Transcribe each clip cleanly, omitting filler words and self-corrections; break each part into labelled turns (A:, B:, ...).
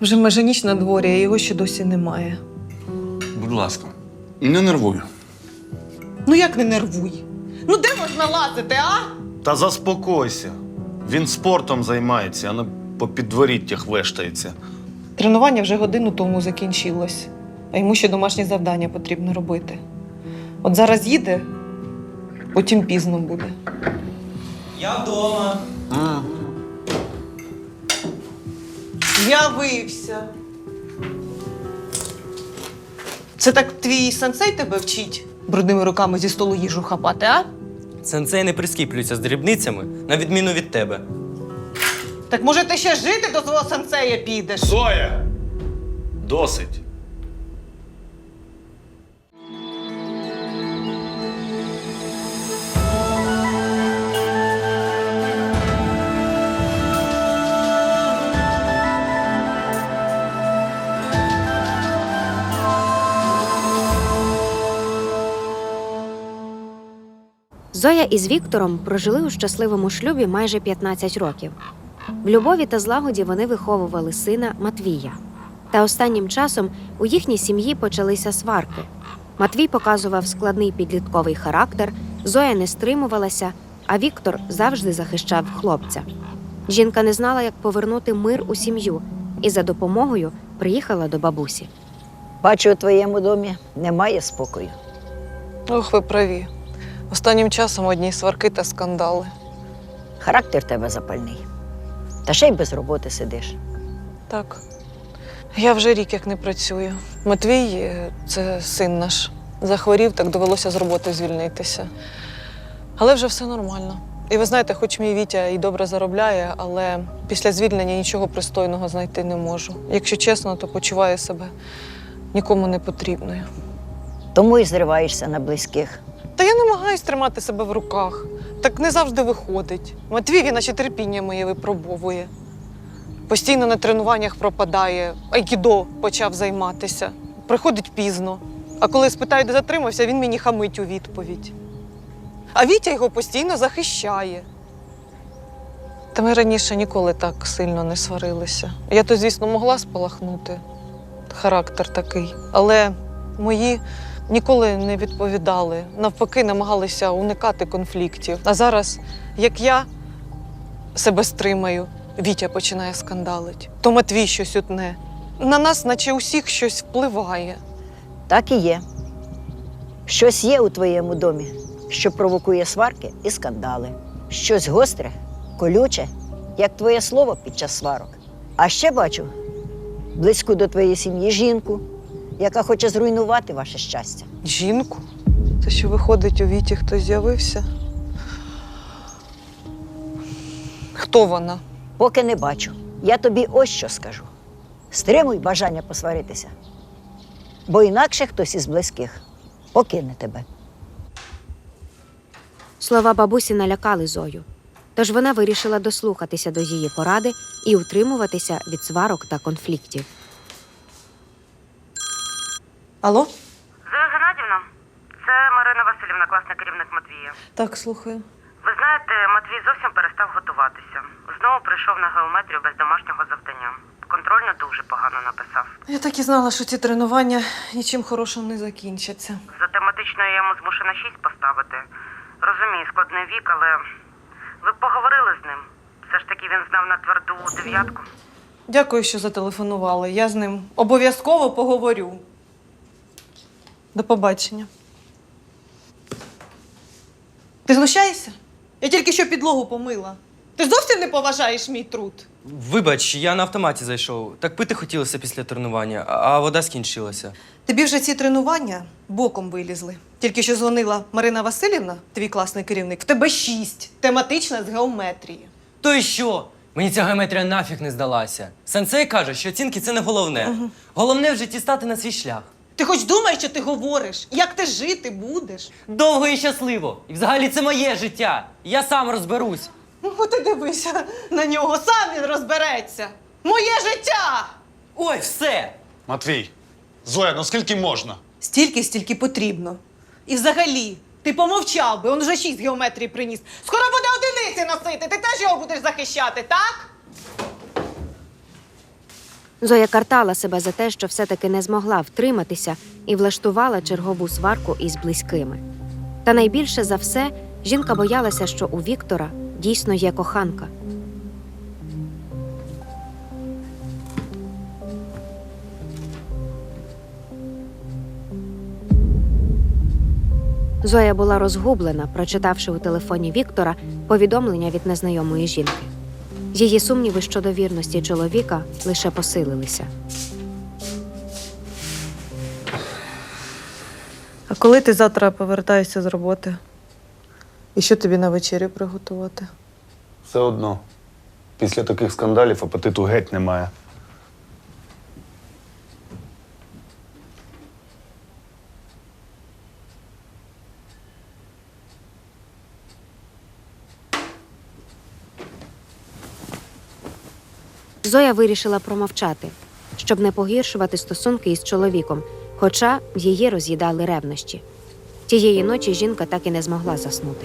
A: Вже майже ніч на дворі, а його ще досі немає.
B: Будь ласка, не нервуй.
A: Ну як не нервуй? Ну де можна лазити, а?
C: Та заспокойся. Він спортом займається, а не по підворіттях вештається.
A: Тренування вже годину тому закінчилось, а йому ще домашні завдання потрібно робити. От зараз їде, потім пізно буде.
D: Я вдома.
A: З'явився. Це так твій сенсей тебе вчить брудними руками зі столу їжу хапати, а?
D: Сенсей не прискіплюється з дрібницями, на відміну від тебе.
A: Так може ти ще жити до свого сенсея підеш?
C: Зоя! Досить.
E: Зоя із Віктором прожили у щасливому шлюбі майже 15 років. В любові та злагоді вони виховували сина Матвія. Та останнім часом у їхній сім'ї почалися сварки. Матвій показував складний підлітковий характер, Зоя не стримувалася, а Віктор завжди захищав хлопця. Жінка не знала, як повернути мир у сім'ю, і за допомогою приїхала до бабусі.
F: Бачу, у твоєму домі немає спокою.
A: Ох, ви праві. Останнім часом одні сварки та скандали.
F: Характер в тебе запальний. Та ще й без роботи сидиш.
A: Так. Я вже рік як не працюю. Матвій – це син наш. Захворів, так довелося з роботи звільнитися. Але вже все нормально. І ви знаєте, хоч мій Вітя і добре заробляє, але після звільнення нічого пристойного знайти не можу. Якщо чесно, то почуваю себе нікому не потрібною.
F: Тому і зриваєшся на близьких.
A: Та я намагаюсь тримати себе в руках. Так не завжди виходить. Матвій, він наче терпіння моє випробовує. Постійно на тренуваннях пропадає, айкідо почав займатися. Приходить пізно. А коли спитаю, де затримався, він мені хамить у відповідь. А Вітя його постійно захищає. Та ми раніше ніколи так сильно не сварилися. Я то, звісно, могла спалахнути. Характер такий. Але мої ніколи не відповідали. Навпаки, намагалися уникати конфліктів. А зараз, як я себе стримаю, Вітя починає скандалити. То Матвій щось утне. На нас, наче усіх, щось впливає.
F: Так і є. Щось є у твоєму домі, що провокує сварки і скандали. Щось гостре, колюче, як твоє слово під час сварок. А ще бачу близьку до твоєї сім'ї жінку, яка хоче зруйнувати ваше щастя.
A: Жінку? Це що, виходить, у Віті хтось з'явився? Хто вона?
F: Поки не бачу. Я тобі ось що скажу. Стримуй бажання посваритися, бо інакше хтось із близьких покине тебе.
E: Слова бабусі налякали Зою. Тож вона вирішила дослухатися до її поради і утримуватися від сварок та конфліктів.
A: Алло?
G: Зоя Геннадівна, це Марина Василівна, класний керівник Матвія.
A: Так, слухаю.
G: Ви знаєте, Матвій зовсім перестав готуватися. Знову прийшов на геометрію без домашнього завдання. Контрольно дуже погано написав.
A: Я так і знала, що ці тренування нічим хорошим не закінчаться.
G: За тематичною я йому змушена 6 поставити. Розумію, складний вік, але ви б поговорили з ним. Все ж таки він знав на тверду 9.
A: Дякую, що зателефонували. Я з ним обов'язково поговорю. До побачення. Ти знущаєшся? Я тільки що підлогу помила. Ти зовсім не поважаєш мій труд.
D: Вибач, я на автоматі зайшов. Так пити хотілося після тренування, а вода скінчилася.
A: Тобі вже ці тренування боком вилізли. Тільки що дзвонила Марина Василівна, твій класний керівник, в тебе 6, тематична з геометрії.
D: То й що? Мені ця геометрія нафіг не здалася. Сенсей каже, що оцінки – це не головне. Головне в житті стати на свій шлях.
A: Ти хоч думаєш, що ти говориш? Як ти жити будеш?
D: Довго і щасливо. І взагалі це моє життя. Я сам розберусь.
A: Ну, ти дивися на нього, сам він розбереться. Моє життя!
D: Ой, все!
C: Матвій, Зоя, ну скільки можна?
A: Стільки, стільки потрібно. І взагалі, ти помовчав би, он вже 6 геометрії приніс. Скоро буде одиниці носити, ти теж його будеш захищати, так?
E: Зоя картала себе за те, що все-таки не змогла втриматися і влаштувала чергову сварку із близькими. Та найбільше за все жінка боялася, що у Віктора дійсно є коханка. Зоя була розгублена, прочитавши у телефоні Віктора повідомлення від незнайомої жінки. Її сумніви щодо вірності чоловіка лише посилилися.
A: А коли ти завтра повертаєшся з роботи? І що тобі на вечерю приготувати?
C: Все одно. Після таких скандалів апетиту геть немає.
E: Зоя вирішила промовчати, щоб не погіршувати стосунки із чоловіком, хоча її роз'їдали ревнощі. Тієї ночі жінка так і не змогла заснути.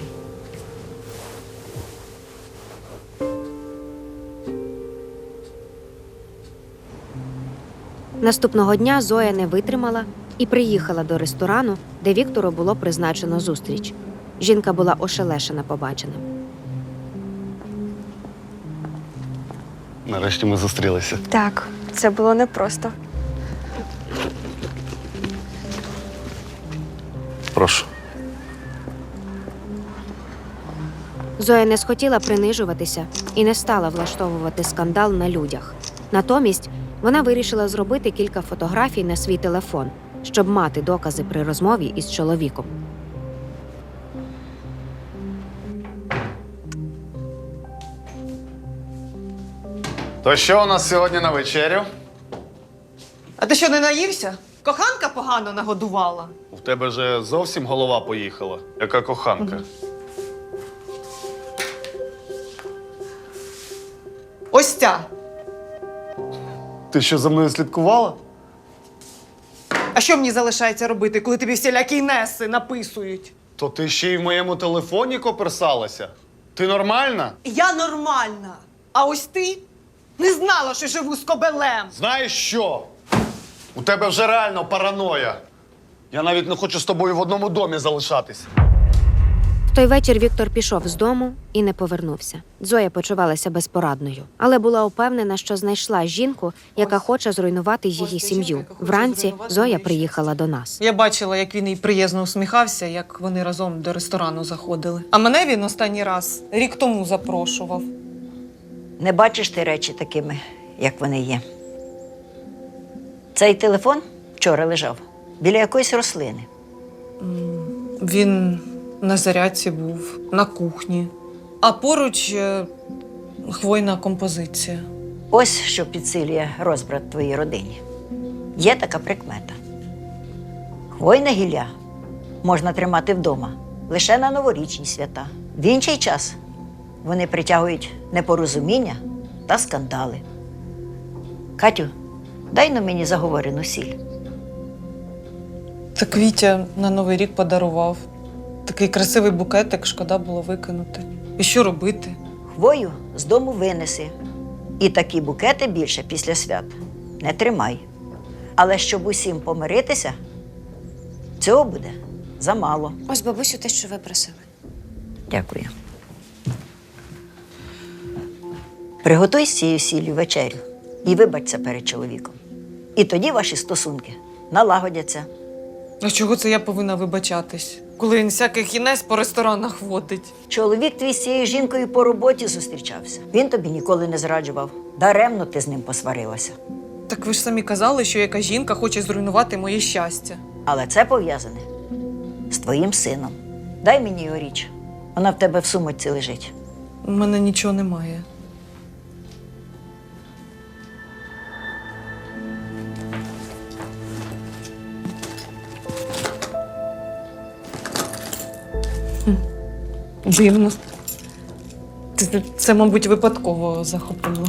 E: Наступного дня Зоя не витримала і приїхала до ресторану, де Віктору було призначено зустріч. Жінка була ошелешена побаченим.
C: Нарешті ми зустрілися.
H: Так, це було непросто.
C: Прошу.
E: Зоя не схотіла принижуватися і не стала влаштовувати скандал на людях. Натомість вона вирішила зробити кілька фотографій на свій телефон, щоб мати докази при розмові із чоловіком.
C: То що у нас сьогодні на вечерю?
A: А ти що, не наївся? Коханка погано нагодувала.
C: У тебе же зовсім голова поїхала. Яка коханка.
A: Ось ця.
C: Ти що, за мною слідкувала?
A: А що мені залишається робити, коли тобі всілякі неси написують?
C: То ти ще й в моєму телефоні коперсалася? Ти нормальна?
A: Я нормальна. А ось ти не знала, що живу з кобелем.
C: Знаєш що? У тебе вже реально параноя. Я навіть не хочу з тобою в одному домі залишатись.
E: В той вечір Віктор пішов з дому і не повернувся. Зоя почувалася безпорадною, але була упевнена, що знайшла жінку, яка хоче зруйнувати її сім'ю. Вранці Зоя приїхала до нас.
A: Я бачила, як він їй приязно усміхався, як вони разом до ресторану заходили. А мене він останній раз рік тому запрошував.
F: Не бачиш ти речі такими, як вони є. Цей телефон вчора лежав біля якоїсь рослини.
A: Він на зарядці був, на кухні. А поруч хвойна композиція.
F: Ось що підсилює розбрат твоїй родині. Є така прикмета. Хвойне гілля можна тримати вдома лише на новорічні свята. В інший час вони притягують непорозуміння та скандали. Катю, дай но мені заговорену сіль.
A: Так Вітя на Новий рік подарував. Такий красивий букетик, шкода було викинути. І що робити?
F: Хвою з дому винеси. І такі букети більше після свят не тримай. Але щоб усім помиритися, цього буде замало.
E: Ось, бабусю, те, що ви просили.
F: Дякую. Приготуй з цією сіллю вечерю і вибачся перед чоловіком. І тоді ваші стосунки налагодяться.
A: А чого це я повинна вибачатись? Коли він всяких інес по ресторанах водить.
F: Чоловік твій з цією жінкою по роботі зустрічався. Він тобі ніколи не зраджував. Даремно ти з ним посварилася.
A: Так ви ж самі казали, що яка жінка хоче зруйнувати моє щастя.
F: Але це пов'язане з твоїм сином. Дай мені його річ. Вона в тебе в сумочці лежить.
A: У мене нічого немає. Дивно. Це, мабуть, випадково захопило.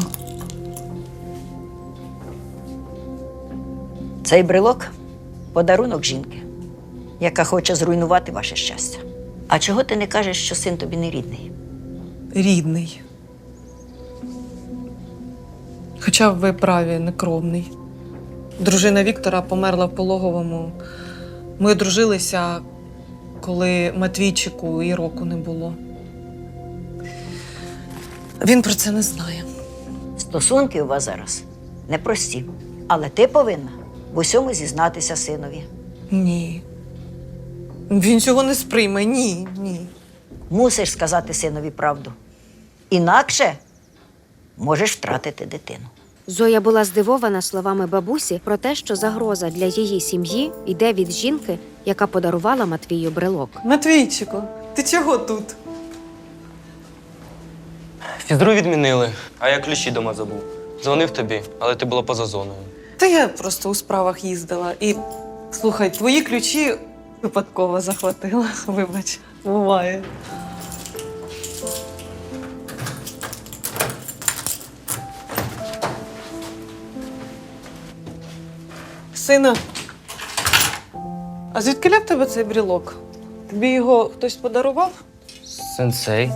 F: Цей брелок – подарунок жінки, яка хоче зруйнувати ваше щастя. А чого ти не кажеш, що син тобі не рідний?
A: Рідний. Хоча ви праві, некровний. Дружина Віктора померла в пологовому. Ми одружилися, коли Матвійчику і року не було. Він про це не знає.
F: Стосунки у вас зараз непрості. Але ти повинна в усьому зізнатися синові.
A: Ні. Він цього не сприйме. Ні, ні.
F: Мусиш сказати синові правду. Інакше можеш втратити дитину.
E: Зоя була здивована словами бабусі про те, що загроза для її сім'ї йде від жінки, яка подарувала Матвію брелок.
A: Матвійчику, ти чого тут?
D: Фізру відмінили, а я ключі дома забув. Дзвонив тобі, але ти була поза зоною.
A: Та я просто у справах їздила. І, слухай, твої ключі випадково захватила. Вибач, буває. Сина, а звідки в тебе цей брілок? Тобі його хтось подарував?
D: Сенсей.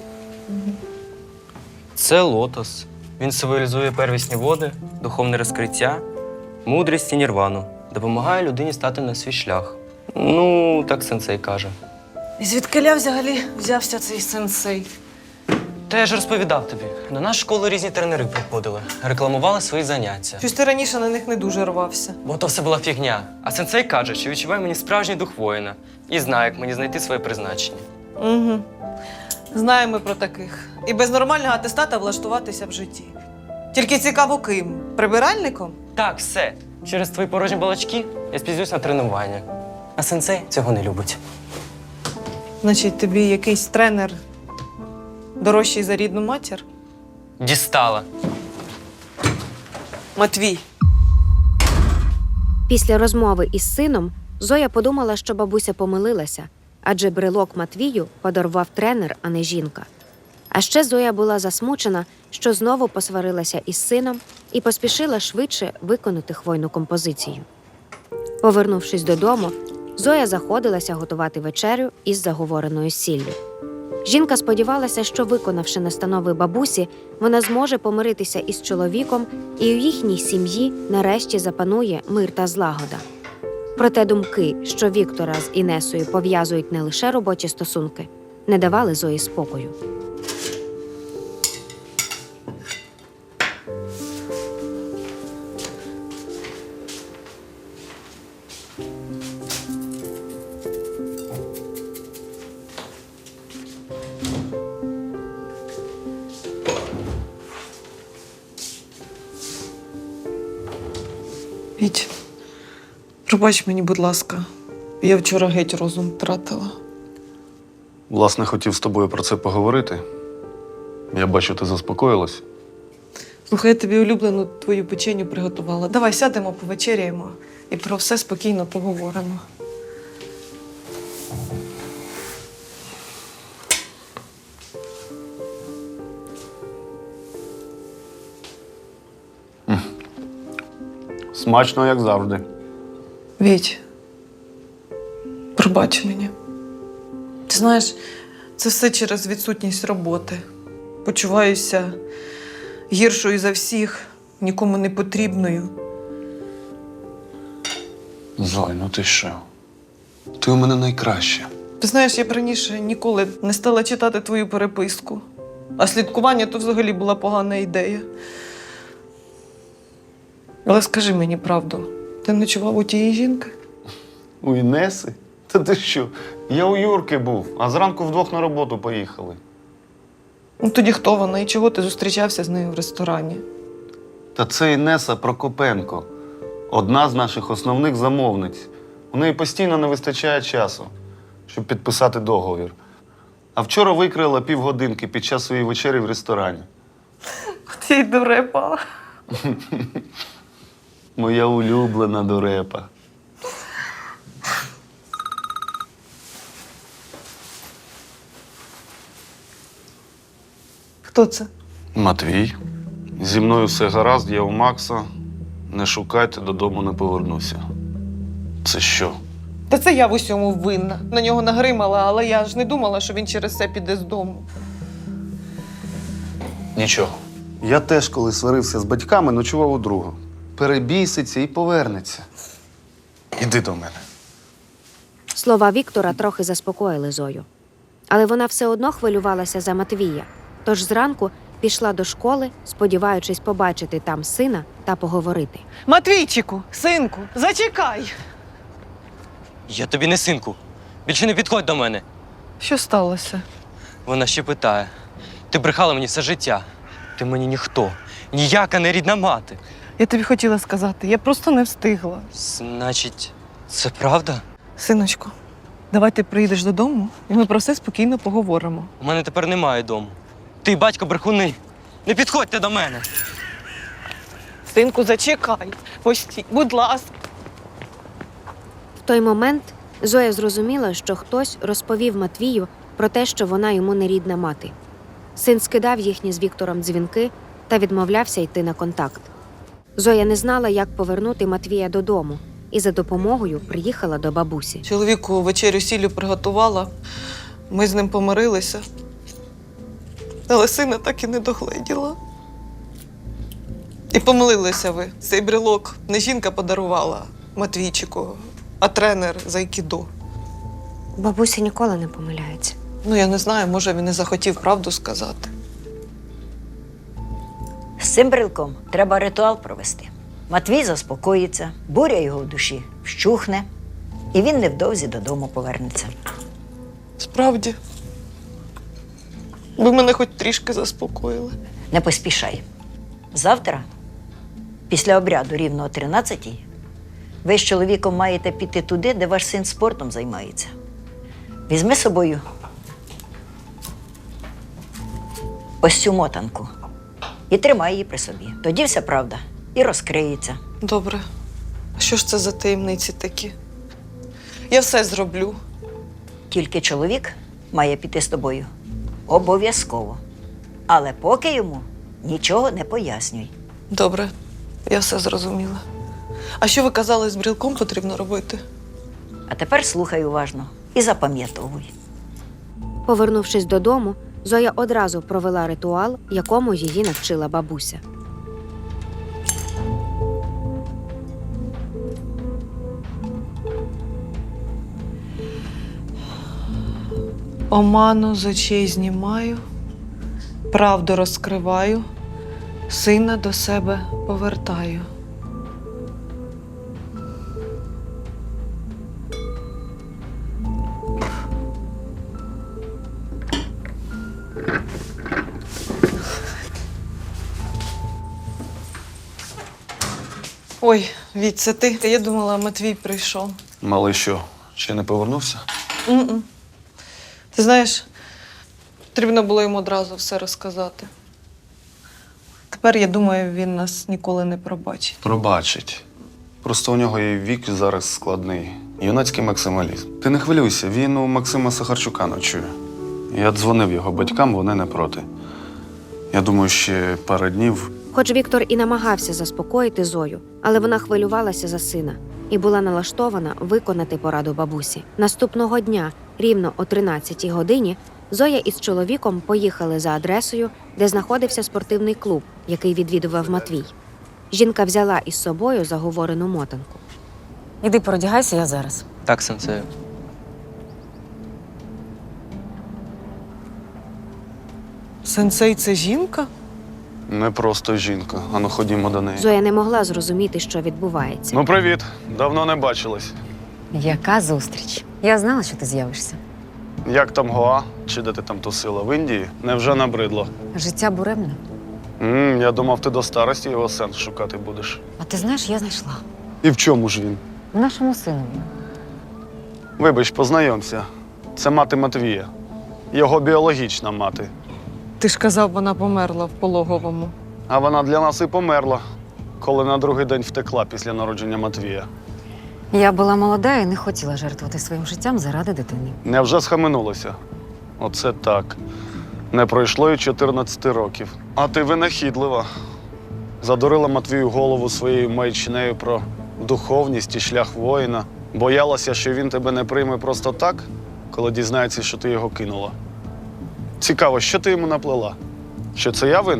D: Це лотос. Він символізує первісні води, духовне розкриття, мудрість і нірвану. Допомагає людині стати на свій шлях. Ну, так сенсей каже.
A: І звідки взагалі взявся цей сенсей?
D: Та я ж розповідав тобі. До нас в школу різні тренери приходили, рекламували свої заняття.
A: Щось ти раніше на них не дуже рвався.
D: Бо то все була фігня. А сенсей каже, що відчуває мені справжній дух воїна і знає, як мені знайти своє призначення.
A: Угу. Знаємо ми про таких. І без нормального атестата влаштуватися в житті. Тільки цікаво ким? Прибиральником?
D: Так, все. Через твої порожні балачки я спізнюсь на тренування. А сенсей цього не любить.
A: Значить, тобі якийсь тренер дорожчий за рідну матір?
D: Дістала.
A: Матвій.
E: Після розмови із сином Зоя подумала, що бабуся помилилася, адже брелок Матвію подарував тренер, а не жінка. А ще Зоя була засмучена, що знову посварилася із сином і поспішила швидше виконати хвойну композицію. Повернувшись додому, Зоя заходилася готувати вечерю із заговореною сіллю. Жінка сподівалася, що, виконавши настанови бабусі, вона зможе помиритися із чоловіком, і у їхній сім'ї нарешті запанує мир та злагода. Проте думки, що Віктора з Інесою пов'язують не лише робочі стосунки, не давали Зої спокою.
A: Віть, пробач мені, будь ласка. Я вчора геть розум втратила.
C: Власне, хотів з тобою про це поговорити. Я бачу, ти заспокоїлась.
A: Слухай, я тобі улюблену твою печеню приготувала. Давай сядемо, повечеряємо і про все спокійно поговоримо.
C: Смачно, як завжди.
A: Віть, пробач мені. Ти знаєш, це все через відсутність роботи. Почуваюся гіршою за всіх, нікому не потрібною.
B: Зой, ну ти що? Ти у мене найкраща.
A: Ти знаєш, я б раніше ніколи не стала читати твою переписку. А слідкування то взагалі була погана ідея. Але скажи мені правду, ти ночував у тієї жінки?
C: У Інеси? Та ти що? Я у Юрки був, а зранку вдвох на роботу поїхали.
A: Ну тоді хто вона і чого ти зустрічався з нею в ресторані?
C: Та це Інеса Прокопенко. Одна з наших основних замовниць. У неї постійно не вистачає часу, щоб підписати договір. А вчора викрила півгодинки під час своєї вечері в ресторані.
A: От я й дурепа.
C: Моя улюблена дурепа.
A: Хто це?
C: Матвій. Зі мною все гаразд, я у Макса. Не шукайте, додому не повернуся. Це що?
A: Та це я в усьому винна. На нього нагримала, але я ж не думала, що він через це піде з дому.
B: Нічого.
C: Я теж, коли сварився з батьками, ночував у друга. Перебіситься і повернеться. Іди до мене.
E: Слова Віктора трохи заспокоїли Зою. Але вона все одно хвилювалася за Матвія, тож зранку пішла до школи, сподіваючись побачити там сина та поговорити.
A: Матвійчику, синку, зачекай!
D: Я тобі не синку. Більше не підходь до мене.
A: Що сталося?
D: Вона ще питає. Ти брехала мені все життя. Ти мені ніхто. Ніяка не рідна мати.
A: Я тобі хотіла сказати, я просто не встигла.
D: Значить, це правда?
A: Синочку, давай ти приїдеш додому, і ми про все спокійно поговоримо.
D: У мене тепер немає дому. Ти, батько, брехуни. Не підходьте до мене.
A: Синку, зачекай. Постій, будь ласка.
E: В той момент Зоя зрозуміла, що хтось розповів Матвію про те, що вона йому не рідна мати. Син скидав їхні з Віктором дзвінки та відмовлявся йти на контакт. Зоя не знала, як повернути Матвія додому, і за допомогою приїхала до бабусі.
A: Чоловіку вечерю сіллю приготувала, ми з ним помирилися. Але сина так і не догледіла. І помилилися ви. Цей брелок не жінка подарувала Матвійчику, а тренер з айкідо.
E: Бабуся ніколи не помиляється.
A: Ну, я не знаю, може, він не захотів правду сказати.
F: З цим брелком треба ритуал провести. Матвій заспокоїться, буря його в душі вщухне, і він невдовзі додому повернеться.
A: Справді, ви мене хоч трішки заспокоїли.
F: Не поспішай. Завтра, після обряду рівно о 13-й, ви з чоловіком маєте піти туди, де ваш син спортом займається. Візьми з собою ось цю мотанку і тримай її при собі. Тоді вся правда і розкриється.
A: Добре. А що ж це за таємниці такі? Я все зроблю.
F: Тільки чоловік має піти з тобою. Обов'язково. Але поки йому нічого не пояснюй.
A: Добре, я все зрозуміла. А що ви казали, з брілком потрібно робити?
F: А тепер слухай уважно і запам'ятовуй.
E: Повернувшись додому, Зоя одразу провела ритуал, якому її навчила бабуся.
A: Оману з очей знімаю, правду розкриваю, сина до себе повертаю. Ой, Віть, це ти? Я думала, Матвій прийшов.
C: Малий що, ще не повернувся?
A: М-м. Ти знаєш, потрібно було йому одразу все розказати. Тепер, я думаю, він нас ніколи не пробачить.
C: Пробачить. Просто у нього і вік зараз складний. Юнацький максималізм. Ти не хвилюйся, він у Максима Сахарчука ночує. Я дзвонив його батькам, вони не проти. Я думаю, ще пару днів.
E: Хоч Віктор і намагався заспокоїти Зою, але вона хвилювалася за сина і була налаштована виконати пораду бабусі. Наступного дня, рівно о 13-й годині, Зоя із чоловіком поїхали за адресою, де знаходився спортивний клуб, який відвідував Матвій. Жінка взяла із собою заговорену мотанку.
I: Іди перодягайся, я зараз.
D: Так, сенсею.
A: Сенсей – це жінка?
C: Не просто жінка. Ану, ходімо до неї.
E: Зоя не могла зрозуміти, що відбувається.
C: Ну, привіт. Давно не бачились.
I: Яка зустріч? Я знала, що ти з'явишся.
C: Як там Гоа? Чи де ти там тусила? В Індії? Невже набридло?
I: Життя буремне.
C: Я думав, ти до старості його сенс шукати будеш.
I: А ти знаєш, я знайшла.
C: І в чому ж він?
I: В нашому синові.
C: Вибач, познайомся. Це мати Матвія. Його біологічна мати.
A: Ти ж казав, вона померла в пологовому.
C: А вона для нас і померла, коли на другий день втекла після народження Матвія.
I: Я була молода і не хотіла жертвувати своїм життям заради дитини.
C: Невже схаменулася? Оце так. Не пройшло й 14 років. А ти винахідлива. Задурила Матвію голову своєю маячнею про духовність і шлях воїна. Боялася, що він тебе не прийме просто так, коли дізнається, що ти його кинула. Цікаво, що ти йому наплела? Що це я винен?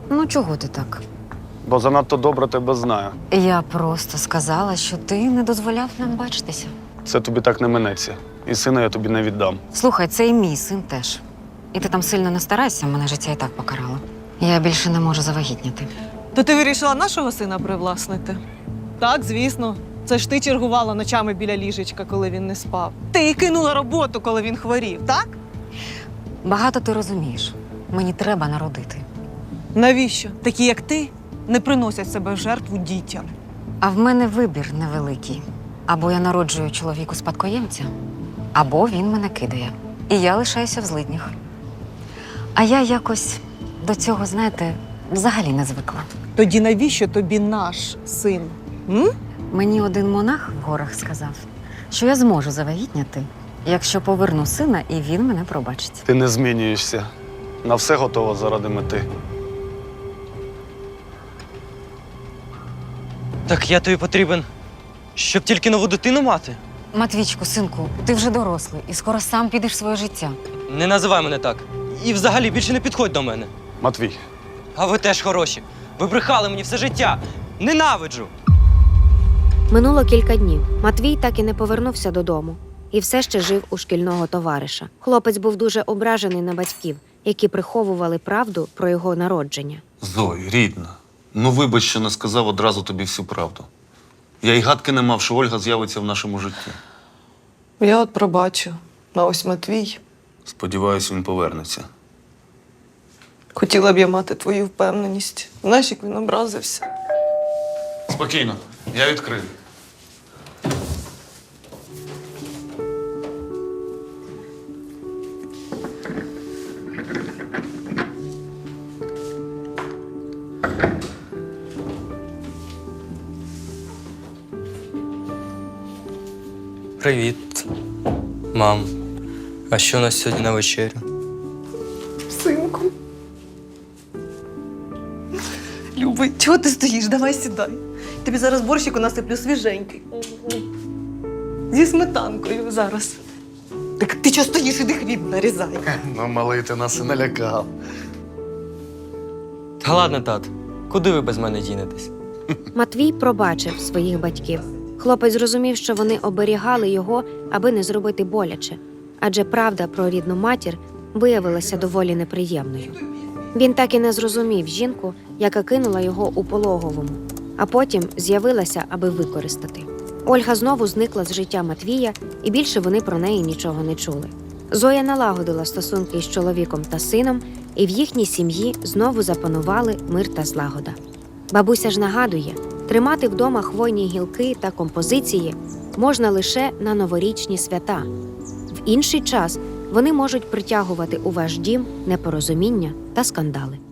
I: Ну, чого ти так?
C: Бо занадто добре тебе знаю.
I: Я просто сказала, що ти не дозволяв нам бачитися.
C: Це тобі так не минеться. І сина я тобі не віддам.
I: Слухай, це і мій син теж. І ти там сильно не старайся, мене життя і так покарало. Я більше не можу завагітніти.
A: То ти вирішила нашого сина привласнити? Так, звісно. Це ж ти чергувала ночами біля ліжечка, коли він не спав. Ти й кинула роботу, коли він хворів, так?
I: Багато ти розумієш. Мені треба народити.
A: Навіщо? Такі, як ти, не приносять себе в жертву дітям.
I: А в мене вибір невеликий. Або я народжую чоловіку спадкоємця, або він мене кидає. І я лишаюся в злиднях. А я якось до цього, знаєте, взагалі не звикла.
A: Тоді навіщо тобі наш син? М?
I: Мені один монах в горах сказав, що я зможу завагітняти, якщо поверну сина, і він мене пробачить.
C: Ти не змінюєшся. На все готова заради мети.
D: Так я тобі потрібен, щоб тільки нову дитину мати.
I: Матвійчику, синку, ти вже дорослий і скоро сам підеш в своє життя.
D: Не називай мене так. І взагалі більше не підходь до мене.
C: Матвій,
D: А ви теж хороші. Ви брехали мені все життя. Ненавиджу.
E: Минуло кілька днів. Матвій так і не повернувся додому і все ще жив у шкільного товариша. Хлопець був дуже ображений на батьків, які приховували правду про його народження.
C: Зой, рідна, ну вибач, що не сказав одразу тобі всю правду. Я й гадки не мав, що Ольга з'явиться в нашому житті.
A: Я от пробачу. А ось Матвій.
C: Сподіваюсь, він повернеться.
A: Хотіла б я мати твою впевненість. Знаєш, як він образився.
C: Спокійно, я відкрию.
D: Привіт, мам. А що у нас сьогодні на вечерю?
A: Синку. Любий, чого ти стоїш? Давай сідай. Тобі зараз борщику насиплю свіженький. Зі сметанкою зараз. Так ти чого стоїш, іди хліб нарізай.
C: Ну, малий, ти нас і налякав.
D: Та ладно, тат. Куди ви без мене дінетесь?
E: Матвій пробачив своїх батьків. Хлопець зрозумів, що вони оберігали його, аби не зробити боляче, адже правда про рідну матір виявилася доволі неприємною. Він так і не зрозумів жінку, яка кинула його у пологовому, а потім з'явилася, аби використати. Ольга знову зникла з життя Матвія, і більше вони про неї нічого не чули. Зоя налагодила стосунки з чоловіком та сином, і в їхній сім'ї знову запанували мир та злагода. Бабуся ж нагадує, тримати вдома хвойні гілки та композиції можна лише на новорічні свята. В інший час вони можуть притягувати у ваш дім непорозуміння та скандали.